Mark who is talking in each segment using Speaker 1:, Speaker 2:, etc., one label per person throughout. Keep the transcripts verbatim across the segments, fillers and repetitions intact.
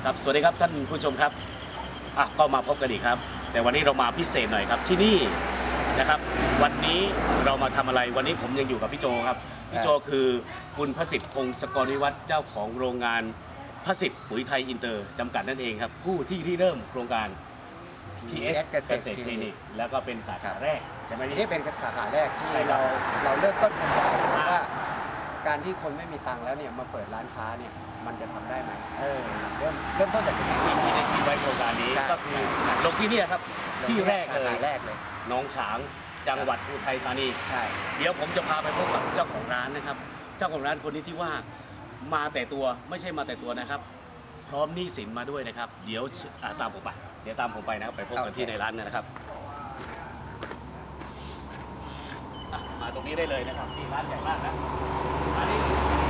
Speaker 1: ครับสวัสดีครับท่านผู้ชมครับอ่ะก็มาพบกันอีกครับแต่วันนี้เรามาพิเศษหน่อยครับที่นี่นะครับวันนี้เรามาทำอะไรวันนี้ผมยังอยู่กับพี่โจครับพี่โจคือคุณพระสิทธิ์พงศกรวิวัฒน์เจ้าของโรงงานพระสิทธิ์ปุ๋ยไทยอินเตอร์จำกัดนั่นเองครับผู้ที่ริเริ่มโครงการ พี เอส เกษตรคลินิกแล้วก็เป็นสาขาแรกใช่ไหมพี่
Speaker 2: นี่เป็นสาขาแรกที่เราเราเริ่มต้นกันว่าการที่คนไม่มีตังค์แล้วเนี่ยมาเปิดร้านค้าเนี่ยมันจะทำได้ไหมเออเริ่มเริ่มต้นจากตรงนี้
Speaker 1: ที่ที่ได้คิดไว้โครงการนี้ก็คือลงที่นี่ครับที่แรกเลย
Speaker 2: แรกเลย
Speaker 1: น้องฉางจังหวัดอุทัยธานี
Speaker 2: ใช่
Speaker 1: เดี๋ยวผมจะพาไปพบกับเจ้าของร้านนะครับเจ้าของร้านคนนี้ที่ว่ามาแต่ตัวไม่ใช่มาแต่ตัวนะครับพร้อมหนี้สินมาด้วยนะครับเดี๋ยวตามผมไปเดี๋ยวตามผมไปนะครับไปพบกันที่ในร้านนะครับมาตรงนี้ได้เลยนะครับที่ร้านใหญ่มากนะร้านนี้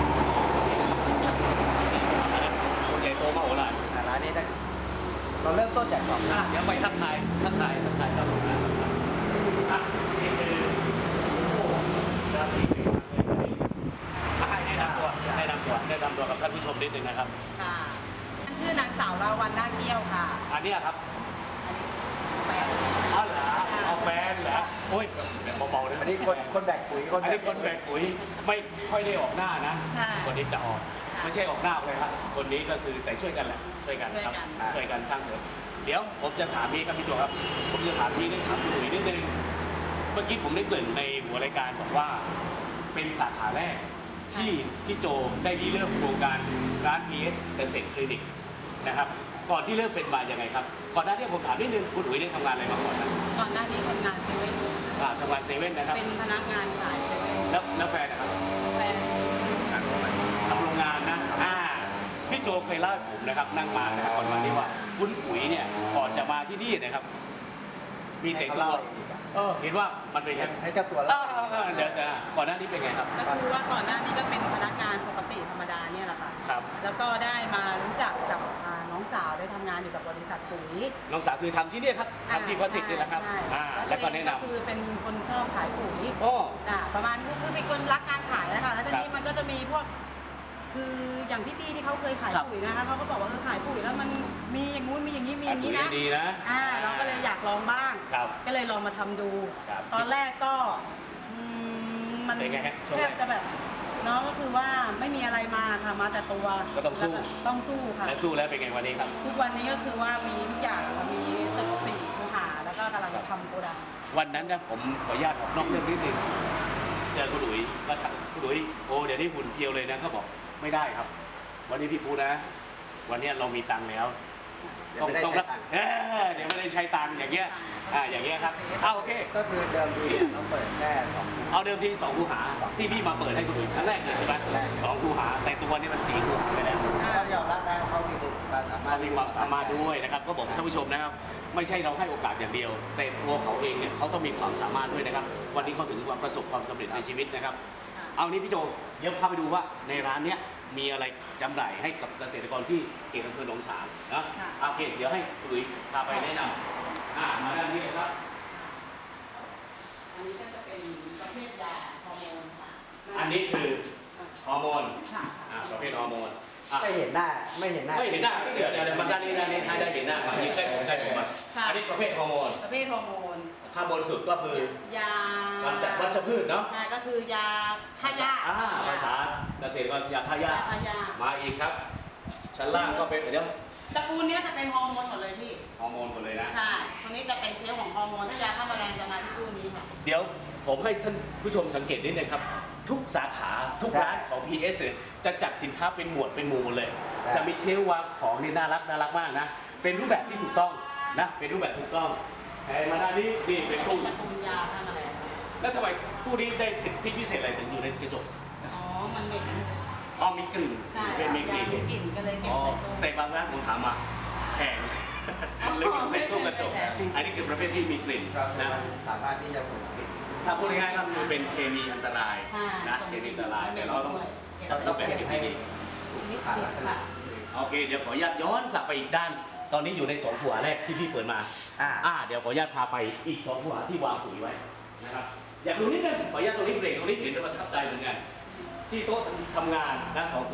Speaker 1: ใหญ่โตมากโหฬาร
Speaker 2: ร้านนี้เราเริ่มต้นจากสอง
Speaker 1: เดี๋ยวไปทักทายทักทายทักทายครับผมนะนี่คือโอ้ราศีปีเลยให้แนะนำตัวแนะนำตัวแนะนำตัวกับท่านผู้ชมนิดนึงนะครับ
Speaker 3: ค่ะท่านชื่อนางสาวราวันนาเกี้ยวค่ะ
Speaker 1: อันนี้ครับ
Speaker 3: แฟน
Speaker 1: อ๋อเหรอเอาแฟนเหรอโอ้ยเบาๆเลย
Speaker 2: อันนี้คนคนแบกปุ๋ย
Speaker 1: คนอันนี้คนแบกปุ๋ยไม่ค่อยได้ออกหน้านะคนนี้จะออกไม่ใช่ออกหน้าเลยครับคนนี้ก็คือแต่ช่วยกันแหละช่วยกันครับช่วยกันสร้างเสริมเดี๋ยวผมจะถามพี่ครับพี่โจครับผมจะถามพี่นิดถามพี่หนุ่ยนิดนึงเมื่อกี้ผมได้เกริ่นในหัวรายการบอกว่าเป็นสาขาแรกที่พี่โจได้ริเริ่มโครงการร้าน พี เอส เกษตรคลินิกนะครับก่อนที่เริ่มเป็นมาอย่างไรครับก่อนหน้านี้ผมถามนิดนึงคุณอุ๋ยได้ทำงานอะไรมาก่อนนะ
Speaker 3: ก่อนหน้านี้ทำงานเซเว่น
Speaker 1: ทำงานเซเว่นนะครับ
Speaker 3: เป็นพนักงานขายเซเว่น
Speaker 1: แล้วแล้วแฟนนะครับ
Speaker 3: แฟน
Speaker 1: ทำโรงงานนะอ่าพี่โจเคยเล่าให้ผมนะครับนั่งมานะครับก่อนมาที่ว่าคุณอุ๋ยเนี่ยก่อนจะมาที่นี่นะครับมีแต่ตัวเออเห็นว่ามันเป็นยัง
Speaker 2: ให้เจ้าตัวแล้ว
Speaker 1: เดี๋ยวก่อนหน้านี้เป็นไงครับ
Speaker 3: ก็คือว่าก่อนหน้านี้ก็เป็นพนักงานปกติธรรมดาเนี่ยแหละค่ะ
Speaker 1: ครับ
Speaker 3: แล้วก็ได้มารู้จักกับน้องสาวได้ทำงานอยู่กับบริษัทปุ๋ย
Speaker 1: น้องสาวคือทำที่นี่ครับทำที่พระสิทธิ์นี่แหละครับ
Speaker 3: อ่า
Speaker 1: แล้วก็แนะนำ
Speaker 3: คือเป็นคนชอบขายปุ๋ย
Speaker 1: โอ้
Speaker 3: อ่าประมาณนี้คือเป็นคนรักการขายนะคะแล้วทีนี้มันก็จะมีพวกคืออย่างพี่ๆที่เขาเคยขายปุ๋ยนะคะเขาก็บอกว่าขายปุ๋ยแล้วมันมีอย่างงู้นมีอย่างนี้มีอย่างนี้นะ
Speaker 1: ดีนะ
Speaker 3: อ่าเราก็เลยอยากลองบ้างก็เลยลองมาทำดูตอนแรกก็มันแทบจะแบบน้องก็คือว่าไม่มีอะไรมาค่ะมาแต่ตัว
Speaker 1: ก็ต้องสู้
Speaker 3: ต้องสู้ค่ะ
Speaker 1: และสู้แล้วเป็นไงวันนี้ครับ
Speaker 3: ทุกวันนี้ก็คือว่ามีทุกอย่างมีตึกสี่คูหาแล้วก็กำลังจะทำโกดัง
Speaker 1: วันนั้นนะผมขออนุญาตออกนอกเรื่องนิดนึงเจอคุณหลุยก็คุณหลุยโอ้เดี๋ยวนี้หุ่นเทียวเลยนะเขาบอกไม่ได้ครับวันนี้พี่พูดนะวันนี้เรามีตังค์แล้วต้องต้องเดี๋ยวไม่ได้ใช้ตังค์อย่างเงี้ยอ่าอย่างเงี้ยครับเอาโอเค
Speaker 2: ก็คือเดิมทีเราเปิดแค่สอง
Speaker 1: เอาเดิมทีสองคูหาที่พี่มาเปิดให้คุณหลุยครั้งแรกเลยใช่ไหมสองคูหาแต่ตัวนี้มันสี่คูหาไปแล้ว
Speaker 2: ก็ยอมรับนะเขามีความสามารถ
Speaker 1: เขามีความสามารถด้วยนะครับก็บอกท่านผู้ชมนะครับไม่ใช่เราให้โอกาสอย่างเดียวแต่ตัวเขาเองเนี่ยเขาต้องมีความสามารถด้วยนะครับวันนี้เขาถึงว่าประสบความสำเร็จในชีวิตนะครับเอานี้พี่โจเดี๋ยวพาไปดูว่าในร้านเนี้ยมีอะไรจำหน่ายให้กับเกษตรกรที่เขตอำเภอหนองฉางนะโอเคเดี๋ยวให้คุณหลุยพาไปแนะนำอ่ามาด้านนี้ครับ
Speaker 3: อันนี้ก็จะเป็นประเภทยาฮอร์โมนค่ะ
Speaker 1: อันนี้คือฮอร์โมนอ่าประเภทฮอร์โมน
Speaker 2: ไม่เห็นหน้าไม่เห็นหน้า
Speaker 1: ไม่เห็นหน้าเดี๋ยวเดี๋ยวมาด้านนี้ด้านนี้ให้ได้เห็นหน้าอันนี้ใกล้ผมใกล้ผมอ่ะอันนี้ประเภทฮอร์โมน
Speaker 3: ประเภทฮอร์โมน
Speaker 1: ข้างบนสุดก็คือยากำจัดวัชพืชเนาะ
Speaker 3: ใช่ก็คือยาฆ่าหญ้า
Speaker 1: อ่าภาษาเกษตรกรยาฆ่าหญ้ามาอีกครับชั้นล่างก็เป็นเดี๋ยว
Speaker 3: ตระกูลนี้จะเป็นฮอร์โมนหมดเลยพี่
Speaker 1: ฮอร์โมนหมดเลยนะ
Speaker 3: ใช่คนนี้จะเป็นเชลล์ของฮอร์โมนถ้ายาฆ่าแมลงจะมาที่ตู้นี้ค่ะ
Speaker 1: เดี๋ยวผมให้ท่านผู้ชมสังเกตนิดนึงครับทุกสาขาทุกร้านของ พี เอส จะจัดสินค้าเป็นหมวดเป็นหมู่หมดเลยจะมีเชลล์วางของนี่น่ารักน่ารักมากนะเป็นรูปแบบที่ถูกต้องนะเป็นรูปแบบถูกต้องแต่มาด้านนี้นี่เป็นตู้
Speaker 3: ยาฆ่าแมลง
Speaker 1: แล้วทำไมตู้นี้ได้สิทธิพิเศษอะไรถึงอยู่ในกระจก
Speaker 3: อ๋อมันเหม็น
Speaker 1: อ๋อมีกลิ่น
Speaker 3: เป็นมีกลิ่นมีกลิ่นก็เลยเก็บใส่ตู้
Speaker 1: แต่บางร้านผมถามมาแพงเลยเก็บใส่ตู้กระจกอันนี้คือประเภทที่มีกลิ่นนะ
Speaker 2: สามารถที่จะส่งกลิ่น
Speaker 1: ถ้าพูดง่ายๆก็คือเป็นเคมีอันตรายนะเคมีอันตรายแต่เราต้องต้องเป็นเก็บให้ดีโอเคเดี๋ยวขออนุญาตย้อนกลับไปอีกด้านตอนนี้อยู่ในสองหัวแรกที่พี่เปิดมาอ่าเดี๋ยวขออนุญาตพาไปอีกสองหัวที่วางปุ๋ยไว้นะครับอยากดูนิดนึงขออนุญาตตรงนี้เบรกตรงนี้เห็นจะประทับใจเหมือนกันที่โต๊ะทำงานนะของคุณ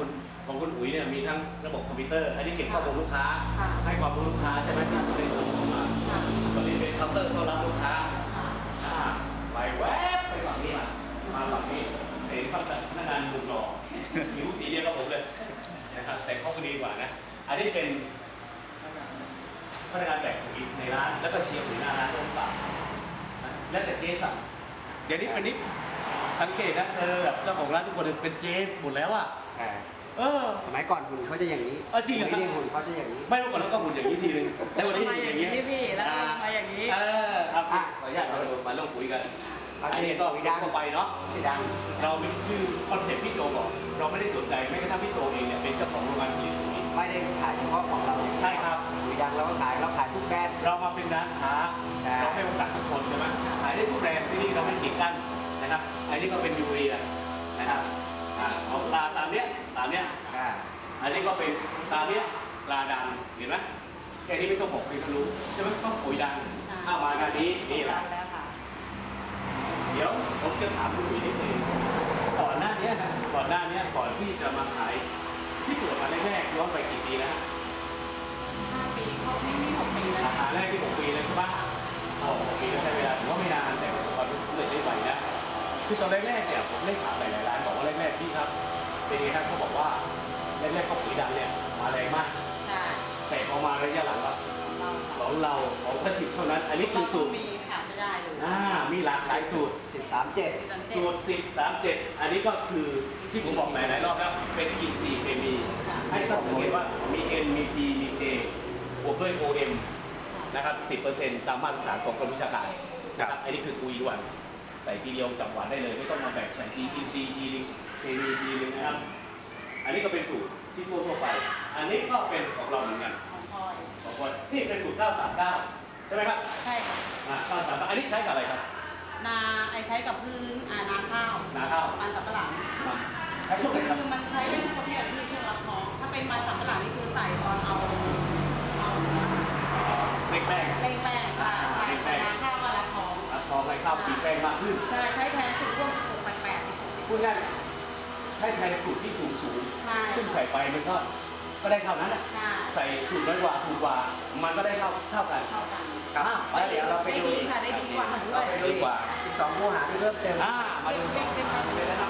Speaker 1: ของคุณอุ๋ยเนี่ยมีทั้งระบบคอมพิวเตอร์อันนี้เก็บข้อมูลลูกค้าให้ความรู้ลูกค้าใช่ไหมที่ได้ส่งมาตอนนี้เป็นเคาน์เตอร์ต้อนรับลูกค้าไปแวบไปฝั่งนี้มามาฝั่งนี้เห็นพนักงานหนุ่มหล่อผิวสีเดียวกับผมเลยนะครับแต่เขาก็ดีกว่านะอันนี้เป็นพนักงานแบกปุ๋ยในร้านแล้วก็เชียร์ปุ๋ยหน้าร้านต้นปากแล้วแต่เจ๊สั่งเดี๋ยวนี้เป็นนิดสังเกตนะเออแบบเจ้าของร้านทุกคนเป็นเจ๊หมดแล้วอ่ะเออ
Speaker 2: สมัยก่อนหุ่นเขาจะอย่างนี้
Speaker 1: เออจริงเหรอครับ
Speaker 2: หุ่นเขาจะอย่างนี้
Speaker 1: ไม่เมื่อก่อนแล้วก็หุ่นอย่างนี้ทีนึงแล้ววันนี้หุ่นอย่างนี้
Speaker 3: พี่แล้วมาอย่างนี้
Speaker 1: เออครับขออนุญาตเรามาลงปุ๋ยกันอันนี้ต้องดังเข้าไปเนาะ
Speaker 2: ดัง
Speaker 1: เราคือคอนเซ็ปต์พี่โจบอกเราไม่ได้สนใจแม้กระทั่งพี่โจเองเนี่ยเป็นเจ้าของโรงงานผลิตปุ๋ย
Speaker 2: ไม่ได้ขายเฉพาะของเรา
Speaker 1: ใช่ครับ
Speaker 2: ปุ๋ยดังเราก็ขายเราขายทุกแบรนด์
Speaker 1: เรามาเป็นร้านค้าเราไม่ประกาศทุกคนใช่ไหมขายได้ทุกแบรนด์ที่นี่เราไม่กีดกันนะครับอันนี้ก็เป็นยูเรียนะครับเอาตาตามเนี้ยตามเนี้ยอันนี้ก็เป็นตามเนี้ยปลาดังเห็นไหมแค่นี้ไม่ต้องบอกเป็นรู้ใช่ไหมต้องปุ๋ยดังเข้ามางานนี้นี่แหละเดี๋ยวผมจะถามคุณปุ๋ยนิดนึงก่อนหน้านี้นะก่อนหน้านี้ก่อนที่จะมาขายที่เกิดมาแรกๆย้อนไปกี่ปีนะ
Speaker 3: ห้าปีเขาไม่มีหกปีแล้ว
Speaker 1: ราคาแรกที่หกปีเลยใช่ปะโอ้หกปีก็ใช้เวลาถือว่าไม่นานแต่ประสบความสำเร็จได้ไวนะคือตอนแรกๆเนี่ยผมได้ถามหลายๆร้านบอกว่าแรกๆพี่ครับเป็นไงครับเขาบอกว่าแรกๆเขาปุ๋ยดังเนี่ยมาแรงมากแต่พอมาระยะหลังครับของเราของประสิทธิ์เท่านั้นอันนี้คือสูตร
Speaker 3: มีขาดไม่ได้เลย
Speaker 1: อ่ามีหลากหลายสูตร
Speaker 2: สิบสามเจ็ด
Speaker 1: สูตรสิบสามเจ็ดอันนี้ก็คือที่ผมบอกหลายๆรอบแล้วเป็นอินทรีย์เคมีให้สังเกตว่ามี N มี P มี K บวกด้วย โอ เอ็ม นะครับ สิบเปอร์เซ็นต์ ตามมาตรฐานของกรมวิชาการนะครับอันนี้คือทุยด่วนใส่ทีเดียวจับหวานได้เลยไม่ต้องมาแบ่งใส่ทีอินทรีย์ทีนึงเคมีทีนึงนะครับอันนี้ก็เป็นสูตรที่ทั่วทั่วไปอันนี้ก็เป็นของเราเหมือนกันของคนนี่เป็นสูตรเก้าสามเก้าใช่ไหมครับ
Speaker 3: ใช่ค่ะ
Speaker 1: เก้าสามเก้าอันนี้ใช้กับอะไรครับ
Speaker 3: นาไอใช้กับพื้นอ่านาข้าว
Speaker 1: นาข้าว
Speaker 3: มันสับปะหลัง
Speaker 1: ใช้ช่วงไหนครับ
Speaker 3: คือมันใช้ได้ทุกประเภทที่เครื่องรับน้องถ้าเป็นมันสับปะหลังนี่คือใส่ตอนเอาเอา
Speaker 1: เล็กแป้ง
Speaker 3: เล็กแป้งใช่ใช่นาข้าวก็รับท้อง
Speaker 1: รับท้องให้ข้าวปีแป้งมากขึ้น
Speaker 3: ใช่ใช้แทนสูตรพวกสิบหกแปดแปด
Speaker 1: พูดง่ายใช้แทนสูตรที่สูงสูงซึ่งใส่ไปมันก็ก็ได้เท่านั้นแหละใส่สูตรน้อยกว่าถูกกว่ามันก็ได้เท่าเท่ากัน
Speaker 3: เท่ากัน
Speaker 2: ครับเดี๋ยวเราไปดู
Speaker 3: ได้ดีค่ะได้ดีกว่าด้วย
Speaker 1: ดีกว่า
Speaker 2: อีกสองคู่หาที่เพิ่มเติม
Speaker 1: อ่ามาดูก่อนเลยนะครับ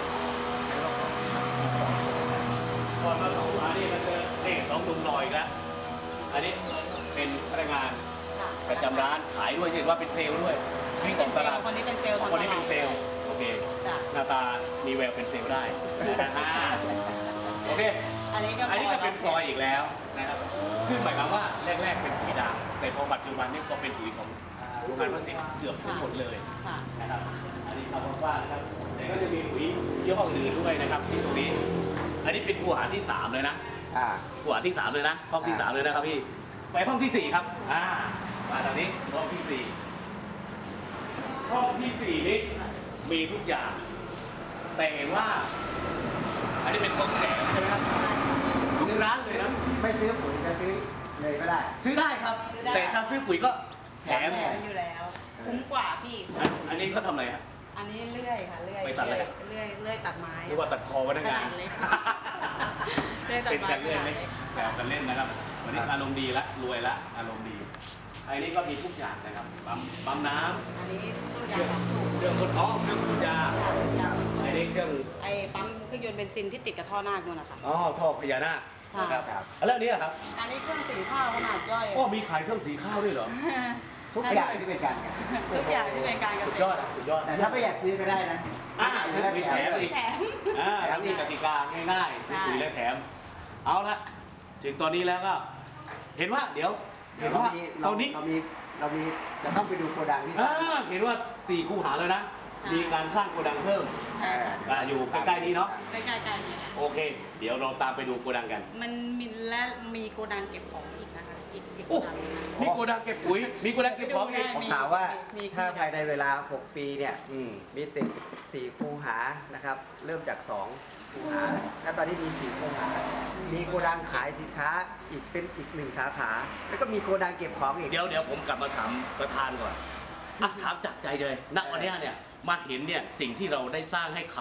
Speaker 1: ก่อนมาสองคู่หานี่มันจะเลขสองดุมลอยแล้วอันนี้เป็นพนักงานประจำร้านขายด้วยเห็นว่าเป็นเซลล์ด้วย
Speaker 3: นี่เป็นเซลล์คนนี้เป็นเซลล์
Speaker 1: คนนี้เป็นเซลล์โอเคหน้าตามีแววเป็นเซลล์ได้โอเค
Speaker 3: อันนี้ก็
Speaker 1: อันนี้ก็เป็นพลอยอีกแล้วนะครับคือหมายความว่าแรกๆเป็นปุ๋ยด่างแต่พอปัจจุบันนี้ก็เป็นปุ๋ยของโรงงานประสิทธิ์เกือบทั้งหมดเลยนะครับอันนี้เราบอกว่านะครับแต่ก็จะมีปุ๋ยยี่ห้ออื่นด้วยนะครับที่ตรงนี้อันนี้เป็นคูหาที่สามเลยนะคูหาที่สามเลยนะห้องที่สามเลยนะครับพี่ไปห้องที่สี่ครับอ่ามาตอนนี้ห้องที่สี่ห้องที่สี่นี้มีทุกอย่างแต่ว่าอันนี้เป็นของแถมใช่ไหมครับทุกร้านเลยนะ
Speaker 2: ไม่ซื้อปุ๋ยจะซื้อเลยก็ได้
Speaker 1: ซื้อได้ครับแต่ถ้าซื้อปุ๋ยก็แถม
Speaker 3: อยู่แล้วคุ้มกว่าพี่
Speaker 1: อันนี้เขาทำอะไรฮะ
Speaker 3: อันนี้เลื่อยค่ะเลื่อย
Speaker 1: ไปตัดอะไร
Speaker 3: เลื่อยเลื่อยตัดไม้
Speaker 1: หรือว่าตัดคอพนักงานเป็นการเลื่อยเล็กแซวกันเล่นนะครับวันนี้อารมณ์ดีละรวยละอารมณ์ดีอันนี้ก็มีทุกอย่างนะครับปั๊มปั๊มน้ำ
Speaker 3: อันนี้
Speaker 1: เครื่องเครื่องคนท้องเครื่องคุณยาอันนี้เครื่อง
Speaker 3: ไอ้ปั๊มเครื่องยนต์เบนซินที่ติดกับท่อนาคนู่นนะคะ
Speaker 1: อ๋อท่อพญานาคครับแล้วนี้ครับ
Speaker 3: อันนี้เครื่องสีข้าวขนาดย่อย
Speaker 1: อ๋อมีขายเครื่องสีข้าวด้วยเหรอ
Speaker 2: ทุกอย่างที่เป็นการ
Speaker 3: ทุกอย่างที่เป็นการ
Speaker 1: สุดยอดสุดยอด
Speaker 2: แต่ถ้าไม่อยากซื้อก็ได้นะ
Speaker 1: อ่าซื้อปุ๋ยแถมอีกอ่าแล้วมีกติกาง่ายๆซื้อปุ๋ยและแถมเอาละถึงตอนนี้แล้วก็เห็นว่าเดี๋ยวเห็นว่าตอนนี้
Speaker 2: เรามีเรามีจะต้องไปดูโกดังที่
Speaker 1: เห็นว่าสี่คูหาแล้วนะมีการสร้างโกดังเพิ่มอยู่ใกล้ๆนี้เนาะ
Speaker 3: ใกล้ๆนี้
Speaker 1: โอเคเดี๋ยวเราตามไปดูโกดังกัน
Speaker 3: มันมีและมีโกดังเก็บของอีกนะคะอีกอีก
Speaker 1: มีโกดังเก็บปุ๋ยมีโกดังเก็บของอีก
Speaker 2: ผมถามว่าถ้าภายในเวลาหกปีเนี่ยมีติดสี่คูหานะครับเริ่มจากสองคูหาแล้วตอนนี้มีสี่คูหามีโกดังขายสินค้าอีกเป็นอีกหนึ่งสาขาแล้วก็มีโกดังเก็บของอีก
Speaker 1: เดี๋ยวเดี๋ยวผมกลับมาถามประธานก่อนถามจากใจเลยณวันนี้เนี่ยมาเห็นเนี่ยสิ่งที่เราได้สร้างให้เขา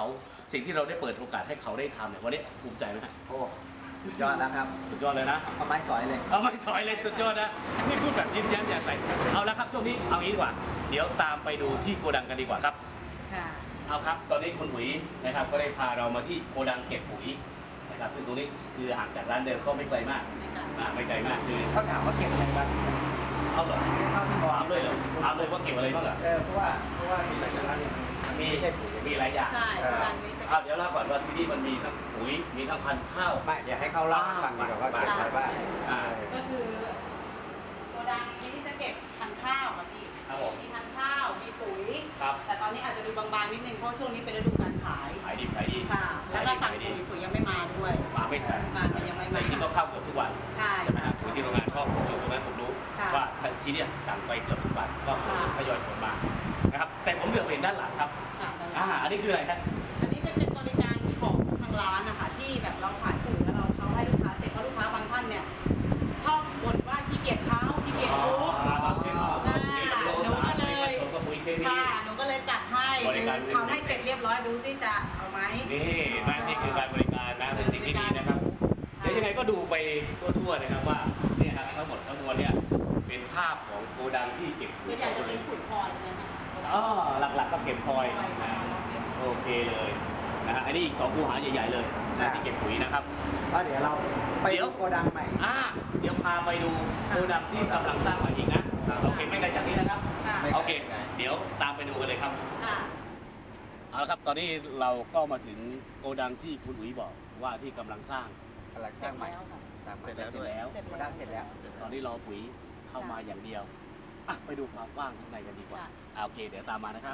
Speaker 1: สิ่งที่เราได้เปิดโอกาสให้เขาได้ทำเนี่ยวันนี้ภูมิใจไหมครับ
Speaker 2: โอ้สุดยอดแล้วครับ
Speaker 1: สุดยอดเลยนะ
Speaker 2: เอาไม้สอยเลย
Speaker 1: เอาไม่สอยเลยสุดยอดนะไม่พูดแบบยิ้มแย้มแจ่มใสเอาละครับช่วงนี้เอางี้ดีกว่าเดี๋ยวตามไปดูที่โกดังกันดีกว่าครับ
Speaker 3: ค่ะ
Speaker 1: เอาครับตอนนี้คุณหุยนะครับก็ได้พาเรามาที่โกดังเก็บปุ๋ยนะครับซึ่งตรงนี้คือห่างจากร้านเดิมก็ไม่ไกลมาก
Speaker 3: ไม่ไกล
Speaker 1: อ่าไม่ไกลมากคือ
Speaker 2: ต้องถามว่าเก็บอะไรบ้าง
Speaker 1: เอาเหรอ
Speaker 2: เท่าที่มอง
Speaker 1: ถามเลยเหรอถามเลยว่าเก็บอะไรบ้างเหรอ
Speaker 2: เออเพราะว่าเพราะว่ามีหลายร้านเนี่ย
Speaker 1: มี
Speaker 2: ไม่ใช่ปุ๋ย
Speaker 1: มีหลายอย่าง
Speaker 3: ใช่ร้านนี้จะ
Speaker 1: เอาเดี๋ยวเล่าก่อนว่าที่นี่มันมีทั้งปุ๋ยมีทั้งพันธุ์ข้าว
Speaker 2: ไม่เดี๋ยวให้เขาเล่าให้ฟังดีกว่าว่าเก็บอะไรบ้าง
Speaker 1: อ่า
Speaker 3: ก็คือโกดังนี้จะเก็บพันธุ์ข้าวค่ะพี่
Speaker 1: ครับผม
Speaker 3: มีพันธุ์ข้าว มีปุ๋ย
Speaker 1: ครับ
Speaker 3: แต่ตอนนี้อาจจะดูบางๆนิดนึงเพราะช่วงนี้เป็นฤดูการขาย
Speaker 1: ขายดีขายดี
Speaker 3: ค่ะ แล้วก็สั่ง
Speaker 1: ขายดี
Speaker 3: ปุ๋ยปุ๋ยยังไม่มาด้วย
Speaker 1: มาไม่ทัน
Speaker 3: มาแต่ยังไม่
Speaker 1: แต่
Speaker 3: มา
Speaker 1: จริงๆก็เข้าเกือบทุกวัน
Speaker 3: ใช่
Speaker 1: ใช่ไหมครับที่โรงงานก็อยู่ตรงนั้นผมรู้
Speaker 3: ค่ะ
Speaker 1: ว่าที่เนี่ยสั่งไปเกือบทุกวันก็
Speaker 3: ค่ะ
Speaker 1: ทยอยผลมานะครับแต่ผมเหลือไปเห็นด้านหลังครับ
Speaker 3: ค่ะ
Speaker 1: อ่าอันนี้คืออะไรครับ
Speaker 3: อันนี้จะเป็นบริการของทางร้านนะคะที่แบบเราขายปุ๋ยแล้วเราเขาให้ลูกค้าเสร็จเพราะลูกค้าบางท่านเนี่ยชอบบ่นว่าขี้เกียจเขาขี้เกียจทุบ
Speaker 1: อ่าบางเช่นว่า
Speaker 3: อ่า
Speaker 1: ปุ๋ยโลสารไม่ผสมกับปุ๋ยเคมี
Speaker 3: ค่ะหนูก็เลยจัดให้
Speaker 1: บริการ
Speaker 3: คือทำให้เสร็จเรียบร้อยดูสิจะเอาไหม
Speaker 1: นี่นะนี่คือการบริการนะเป็นสิ่งที่ดีนะครับเดี๋ยวยังไงก็ดูไปทั่วๆนะครับว่าเนี่ยครับทั้งหมดทั้งมวลเนี่ยเป็นภาพของโกดังที่เก็บ
Speaker 3: ส่วนใหญ่จะเป็นปุ๋ยพลอยใช่ไหมคะ
Speaker 1: อ๋อหลักๆก็เก็บพลอยนะโอเคเลยนะฮะอันนี้อีกสองคูหาใหญ่ๆเลยนะที่เก็บปุ๋ยนะครับ
Speaker 2: ก็เดี๋ยวเราไป
Speaker 1: เดี๋ยว
Speaker 2: ดูโกดังใหม่
Speaker 1: อ่าเดี๋ยวพาไปดูโกดังที่กำลังสร้างใหม่อีกนะโอเคไม่ไกลจากนี้นะครับ
Speaker 3: ค่ะ
Speaker 1: โอเค เดี๋ยวตามไปดูกันเลยครับ
Speaker 3: ค่ะ
Speaker 1: เอาละครับ ตอนนี้เราก็มาถึงโกดังที่คุณอุ๋ยบอกว่าที่กำลังสร้าง
Speaker 2: กำลัง
Speaker 3: เส
Speaker 2: ส
Speaker 3: ร็
Speaker 2: ร้าง
Speaker 3: จ
Speaker 2: ใหม่
Speaker 3: แล้วค่ะ
Speaker 2: สร้างใหม่
Speaker 1: เสร็จแล้ว
Speaker 3: เสร็จ
Speaker 2: โก
Speaker 3: แล้
Speaker 2: ดั
Speaker 3: ว
Speaker 2: งเสร็จแล้ว
Speaker 1: ตอนนี้รอปุ๋ยเข้ามาอย่างเดียวอ่ะไปดูความกว้างข้างในกันดีกว่า
Speaker 3: ค่ะ
Speaker 1: อ่ะโอเค เดี๋ยวตามมานะครับ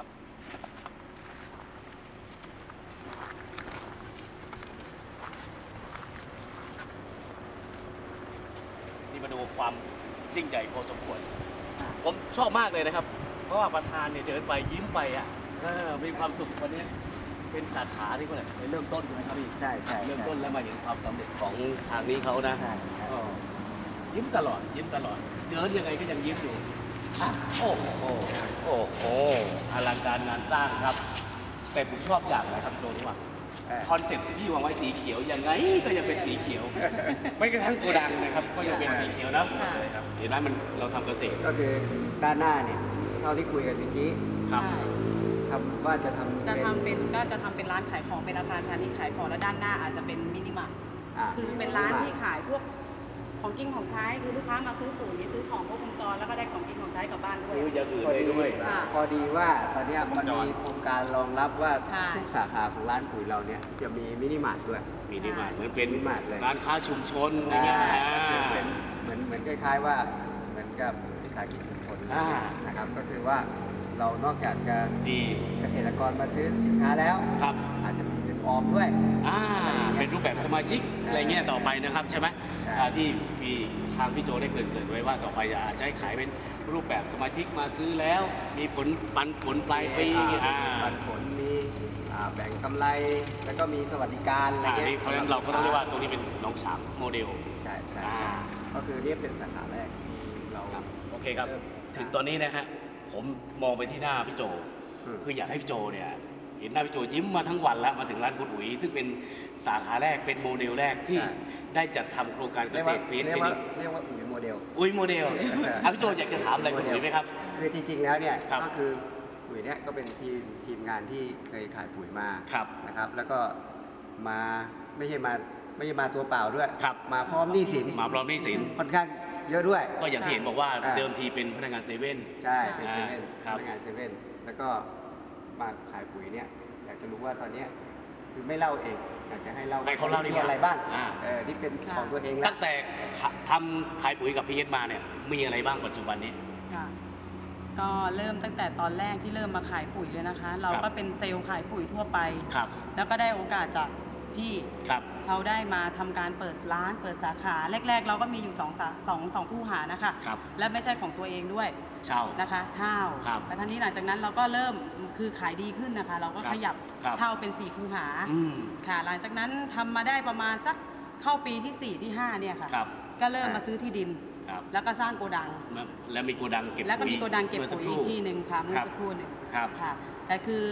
Speaker 1: นี่มาดูความยิ่งใหญ่พอสมควร ผมชอบมากเลยนะครับ เพราะว่าประธานเนี่ยเดินไปยิ้มไปอ่ะเออมีความสุขวันนี้เป็นสาขาที่เขาเลยเริ่มต้นใช่ไหมครับพี่
Speaker 2: ใช่ใช่
Speaker 1: เริ่มต้นแล้วมาเห็นความสำเร็จของทางนี้เขานะ
Speaker 2: ใช่ใช่
Speaker 1: ก็ยิ้มตลอดยิ้มตลอดเดินยังไงก็ยังยิ้มอยู่อ่ะโอ้โหโอ้โหอลังการงานสร้างครับ แต่ผมชอบอย่างไรครับโจรู้ป่ะ
Speaker 2: เออ
Speaker 1: คอนเซ็ปต์ที่พี่วางไว้สีเขียวยังไงก็ยังเป็นสีเขียว ไม่กระทั่งโกดังนะครับก็ยังเป็นสีเขียวนะเห็นไหมมันเราทำเกษตร
Speaker 2: ก็คือด้านหน้าเนี่ยเท่าที่คุยกันเมื่อกี้
Speaker 1: ครับ
Speaker 3: ใช่
Speaker 2: ทำว่าจะทำ
Speaker 3: จะทำเป็นก็จะทำเป็นร้านขายของเป็นอาคารพาณิชย์ขายของแล้วด้านหน้าอาจจะเป็นมินิมาร์ท
Speaker 2: อ่า
Speaker 3: คือเป็นร้านที่ขายพวกของกินของใช้คือลูกค้ามาซื้อปุ๋ยซื้อของครบวงจรแล้วก็ได้ของกินของใช้กลับบ้านด้วย
Speaker 1: ซื้ออย่างอื่น
Speaker 2: พอ
Speaker 1: ได้
Speaker 2: ดี
Speaker 1: ด้วย
Speaker 3: ค่ะ
Speaker 2: พอดีว่าตอนเนี้ยมันมีโครงการรองรับว่า
Speaker 3: ใช่
Speaker 2: ทุกสาขาของร้านปุ๋ยเราเนี่ยจะมีมินิมาร์ทด้วย
Speaker 1: มินิมาร์ทเหมือนเป็น
Speaker 2: มินิมาร์ทเลย
Speaker 1: ร้านค้าชุมชนอย่างเงี้ย
Speaker 2: อ่า
Speaker 1: อ่า
Speaker 2: เป็นเหมือนเหมือนคล้ายๆว่าเหมือนกับวิสาหกิจชุมชน
Speaker 1: อ่า
Speaker 2: นะครับก็คือว่าเรานอกจากจะ
Speaker 1: ดี
Speaker 2: เกษตรกรมาซื้อสินค้าแล้ว
Speaker 1: ครับ
Speaker 2: อาจจะมีเป็นออมด้วย
Speaker 1: อ่าเป็นรูปแบบสมาชิกอะไรเงี้ยต่อไปนะครับใช่ไหม
Speaker 2: ใช่
Speaker 1: อ่าที่พี่ทางพี่โจได้เกริ่นๆไว้ว่าต่อไปจะอาจจะให้ขายเป็นรูปแบบสมาชิกมาซื้อแล้ว มีผลปันผลปลายปี
Speaker 2: มี
Speaker 1: อ่า
Speaker 2: ปันผลมีอ่าแบ่งกำไร แล้วก็มีสวัสดิการอะไร
Speaker 1: อ่า
Speaker 2: เงี้ย
Speaker 1: นี่เพราะฉะนั้นเราก็ต้องเรียกว่าตรงนี้เป็นน้องฉางโมเดล
Speaker 2: ใช่ใช่
Speaker 1: อ่า
Speaker 2: ก็คือเนี่ยเป็นสาขาแรกที่เรา
Speaker 1: ครับโอเคครับ ถึงตอนนี้นะฮะผมมองไปที่หน้าพี่โจ
Speaker 2: อืม
Speaker 1: คืออยากให้พี่โจเนี่ยเห็นหน้าพี่โจยิ้มมาทั้งวันแล้วมาถึงร้านคุณอุ๋ยซึ่งเป็นสาขาแรกเป็นโมเดลแรกที่ได้จัดทำโครงการเก
Speaker 2: เรียก
Speaker 1: ษ
Speaker 2: ว่า
Speaker 1: ตรเฟส
Speaker 2: เรีย
Speaker 1: เฟ
Speaker 2: กว่า
Speaker 1: ส
Speaker 2: เรียกว่าอุ๋ยโมเดล
Speaker 1: อุ๋ยโมเดลอ่ะพี่โจอยากจะถามอะไรคุณอุ๋ยไหมครับ
Speaker 2: คือจริงๆแล้วเนี่ย
Speaker 1: ครับ
Speaker 2: ก็คือปุ๋ยเนี่ยก็เป็นทีมทีมงานที่เคยขายปุ๋ยมา
Speaker 1: ครับ
Speaker 2: นะครับ แล้วก็มาไม่ใช่มาไม่ใช่มาตัวเปล่าด้วย
Speaker 1: ครับ
Speaker 2: มาพร้อมหนี้สิน
Speaker 1: มาพร้อมหนี้สิน
Speaker 2: ค่อนข้างเยอะด้วย
Speaker 1: ก็อย่างที่เห็นบอกว่า
Speaker 2: อ่า
Speaker 1: เดิมทีเป็นพนักงานเซเว่น
Speaker 2: ใช่เป็นเซ
Speaker 1: อ่า
Speaker 2: เว่น
Speaker 1: ครับ
Speaker 2: พนักงานเซเว่นแล้วก็มาขายปุ๋ยเนี่ยอยากจะรู้ว่าตอนเนี้ยคือไม่เล่าเองอยากจะให้เล่า
Speaker 1: ให้เขาเล่าดีกว่า
Speaker 2: มีอะไรบ้าง
Speaker 1: อ่า
Speaker 2: เออที่เป็น
Speaker 3: ค่ะ
Speaker 2: ของตัวเองแล้
Speaker 1: ตั้
Speaker 2: ว
Speaker 1: งแต่ทำขายปุ๋ยกับพีเอสมาเนี่ยมีอะไรบ้างปัจจุบันนี้
Speaker 3: ค่ะก็เริ่มตั้งแต่ตอนแรกที่เริ่มมาขายปุ๋ยเลยนะคะ เรา
Speaker 1: ครั
Speaker 3: ก็
Speaker 1: บ
Speaker 3: เป็นเซลล์ขายปุ๋ยทั่วไป
Speaker 1: ครับ
Speaker 3: แล้วก็ได้โอกาสจากพี่
Speaker 1: ครับ
Speaker 3: เราได้มาทำการเปิดร้านเปิดสาขาแรก ๆ เราก็มีอยู่สองสาสองสองคู่หานะคะ
Speaker 1: ครับ
Speaker 3: และไม่ใช่ของตัวเองด้วย
Speaker 1: เช่า
Speaker 3: นะคะเช่า
Speaker 1: ครับ
Speaker 3: แล้วทีนี้หลังจากนั้นเราก็เริ่มคือขายดีขึ้นนะคะ เราก็
Speaker 1: ครับ
Speaker 3: ขยับ
Speaker 1: ครับ
Speaker 3: เช่าเป็นสี่คูหา
Speaker 1: อืม
Speaker 3: ค่ะหลังจากนั้นทำมาได้ประมาณสักเข้าปีที่สี่ที่ห้าเนี่ยค่ะ
Speaker 1: ครับ
Speaker 3: ก็เริ่มมาซื้อที่ดิน
Speaker 1: ครับ
Speaker 3: แล้วก็สร้างโกดัง
Speaker 1: แล้วมีโกดังเก็บ
Speaker 3: แล้วก็
Speaker 1: ปุ๋ย
Speaker 3: มีโกดังเก็บ
Speaker 1: มื่อสั
Speaker 3: ปุ๋ย
Speaker 1: ครู่
Speaker 3: อีกที่หนึ่งค่ะเมื่อ
Speaker 1: ครับ
Speaker 3: สักครู่หนึ่ง
Speaker 1: ครับ
Speaker 3: ค่ะ แต่คือ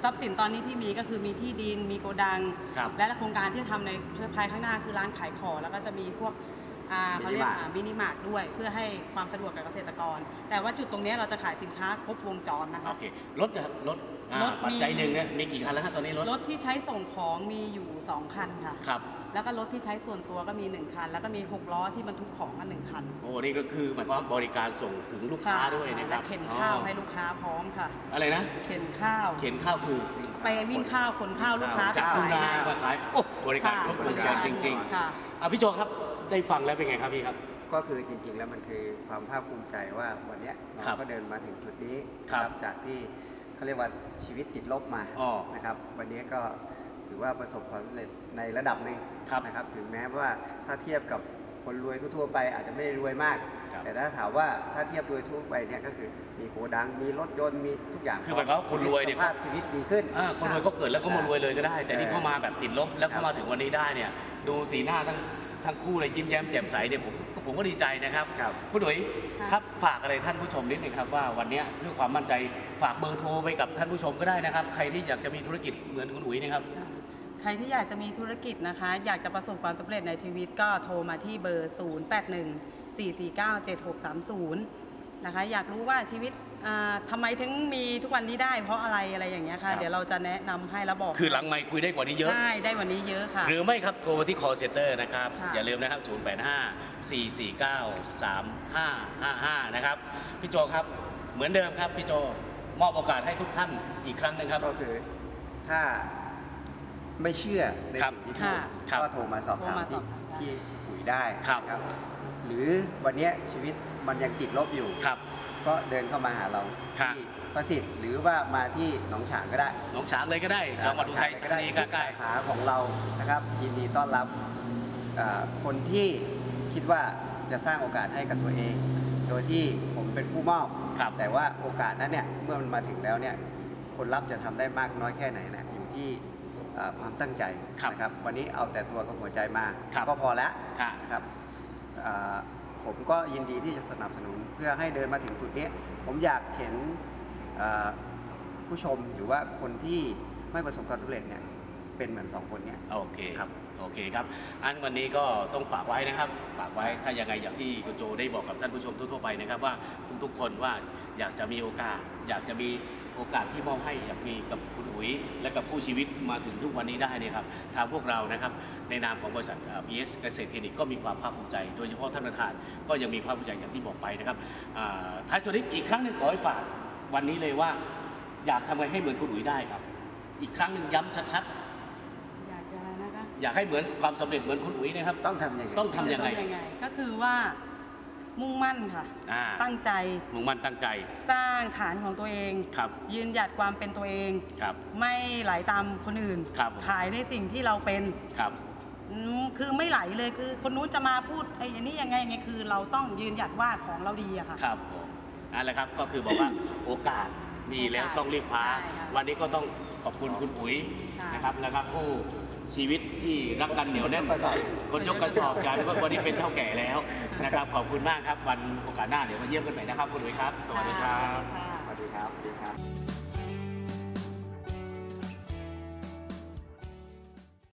Speaker 3: ทรัพย์สินตอนนี้ที่มีก็คือมีที่ดินมีโกดัง และโครงการที่ทำในภายข้างหน้าคือร้านขายของแล้วก็จะมีพวกเขาเรียกมินิมาร์ทด้วยเพื่อให้ความสะดวกกับเกษตรกรแต่ว่าจุดตรงนี้เราจะขายสินค้าครบวงจรนะคะ
Speaker 1: โอเครถนะครับรถปัจจัยหนึ่งเนี่ยมีกี่คันแล้วครับตอนนี้รถ
Speaker 3: รถที่ใช้ส่งของมีอยู่สองคันค่ะ
Speaker 1: ครับ
Speaker 3: แล้วก็รถที่ใช้ส่วนตัวก็มีหนึ่งคันแล้วก็มีหกล้อที่บรรทุกของมาหนึ่งคัน
Speaker 1: โอ้นี่ก็คือหมายความว่าบริการส่งถึงลูกค้าด้วยนะครับ
Speaker 3: เข็นข้าวให้ลูกค้าพร้อมค่ะ
Speaker 1: อะไรนะ
Speaker 3: เข็นข้าว
Speaker 1: เข็นข้าวคือ
Speaker 3: ไปวิ่งข้าวขนข้าวลูกค้า
Speaker 1: จากทุ่งนามาขายโอ้บริการครบวงจรจริงๆค่ะอ่ะพี่โจครับได้ฟังแล้วเป็นไงครับพี่ครับ
Speaker 2: ก็คือจริงๆแล้วมันคือความภาคภูมิใจว่าวันนี้เราก็เดินมาถึงจุดนี้ครับจากที่เขาเรียกว่าชีวิตติดลบมานะครับวันนี้ก็ถือว่าประสบความสำเร็จในระดับหนึ่งนะครับถึงแม้ว่าถ้าเทียบกับคนรวยทั่วๆไปอาจจะไม่ได้รวยมากแต่ถ้าถามว่าถ้าเทียบรวยทั่วไปเนี่ยก็คือมีโกดังมีรถยนต์มีทุกอย่าง
Speaker 1: คือหมายความว่าคนรวยเนี่ย
Speaker 2: ภาพชีวิตดีขึ้น
Speaker 1: คนรวยก็เกิดแล้วก็มารวยเลยก็ได้แต่ที่เข้ามาแบบติดลบแล้วเข้ามาถึงวันนี้ได้เนี่ยดูสีหน้าทั้งทั้งคู่เลยยิ้มแย้มแจ่มใสเนี่ยผมผมก็ดีใจนะครับคุณหนุ่ยครับฝากอะไรท่านผู้ชมนิดนึงครับว่าวันนี้ด้วยความมั่นใจฝากเบอร์โทรไปกับท่านผู้ชมก็ได้นะครับใครที่อยากจะมีธุรกิจเหมือนคุณหนุ่ยนะครับ
Speaker 3: ใครที่อยากจะมีธุรกิจนะคะอยากจะประสบความสำเร็จในชีวิตก็โทรมาที่เบอร์ ศูนย์ แปด หนึ่ง สี่ สี่ เก้า เจ็ด หก สาม ศูนย์ นะคะอยากรู้ว่าชีวิตทำไมถึงมีทุกวันนี้ได้เพราะอะไรอะไรอย่างเงี้ยค่ะเดี๋ยวเราจะแนะนำให้แล้วบอก
Speaker 1: คือหลังไมค์คุยได้กว่านี้เยอะ
Speaker 3: ได้ได้วันนี้เยอะค่ะ
Speaker 1: หรือไม่ครับโทรมาที่ call center นะครับอย่าลืมนะครับ ศูนย์ แปด ห้า สี่ สี่ เก้า สาม ห้า ห้า ห้า นะครับพี่โจครับเหมือนเดิมครับพี่โจมอบโอกาสให้ทุกท่านอีกครั้งนึงครับ
Speaker 2: ก็คือถ้าไม่เชื่อในสิ่งที่พูดก็โทรมาสอบถามที่ที่ปุ๋ยได้ครับหรือวันนี้ชีวิตมันยังติดลบอยู่ก็เดินเข้ามาหาเราที่ประสิทธิ์หรือว่ามาที่หนองฉางก็ได้
Speaker 1: หนองฉางเลยก็ได้จังหวัดอุทัย
Speaker 2: ก็ได้ทุกสาขาของเรานะครับยินดีต้อนรับคนที่คิดว่าจะสร้างโอกาสให้กับตัวเองโดยที่ผมเป็นผู้มอบแต่ว่าโอกาสนั้นเนี่ยเมื่อมันมาถึงแล้วเนี่ยคนรับจะทำได้มากน้อยแค่ไหนนะอยู่ที่ความตั้งใจนะครับวันนี้เอาแต่ตัวกับหัวใจมาก็พอแล้วนะครับผมก็ยินดีที่จะสนับสนุนเพื่อให้เดินมาถึงจุดนี้ผมอยากเห็นผู้ชมหรือว่าคนที่ไม่ประสบความสำเร็จเนี่ยเป็นเหมือนสองคนนี้
Speaker 1: โอเคครับโอเคครับอันวันนี้ก็ต้องฝากไว้นะครับฝากไว้ถ้ายังไงอย่างที่คุณโจได้บอกกับท่านผู้ชมทั่วๆไปนะครับว่าทุกๆคนว่าอยากจะมีโอกาสอยากจะมีโอกาสที่มอบให้อยากมีกับคุณอุ๋ยและกับผู้ชีวิตมาถึงทุกวันนี้ได้เนี่ยครับทางพวกเรานะครับในนามของบริษัท พี เอส เกษตรคลินิกก็มีความภาคภูมิใจโดยเฉพาะท่านประธานก็ยังมีภาคภูมิใจอย่างที่บอกไปนะครับท้ายสุดนี้อีกครั้งหนึ่งขอให้ฝากวันนี้เลยว่าอยากทำไงให้เหมือนคุณอุ๋ยได้ครับอีกครั้งหนึ่งย้ำชัด
Speaker 3: ๆอยากจะนะคะ
Speaker 1: อยากให้เหมือนความสำเร็จเหมือนคุณอุ๋ยนะครับ
Speaker 2: ต้องทำยังไง
Speaker 1: ต้องทำยังไง
Speaker 3: ก็คือว่ามุ่งมั่นค่ะตั้งใจ
Speaker 1: มุ่งมั่นตั้งใจ
Speaker 3: สร้างฐานของตัวเองยืนหยัดความเป็นตัวเองไม่ไหลตามคนอื่นขายในสิ่งที่เราเป็นคือไม่ไหลเลยคือคนนู้นจะมาพูดไอ้นี่ยังไงไงคือเราต้องยืนหยัดว่าของเราดีอะค่ะ
Speaker 1: ครับนั่นแหละครับก็คือบอกว่าโอกาสมีแล้วต้องรีบคว้าวันนี้ก็ต้องขอบคุณคุณอุ๋ยนะครับแล้วก็ผู้ชีวิตที่รักกันเหนียวแน่นคนยกกระสอบจากวันนี้เป็นเท่าแก่แล้วนะครับขอบคุณมากครับวันโอกาสหน้าเดี๋ยวมาเยี่ยมกันใหม่นะครับคุณอุ๋ยครับสวัสดีครับ
Speaker 2: สวัสดีครับสวัสดีครับ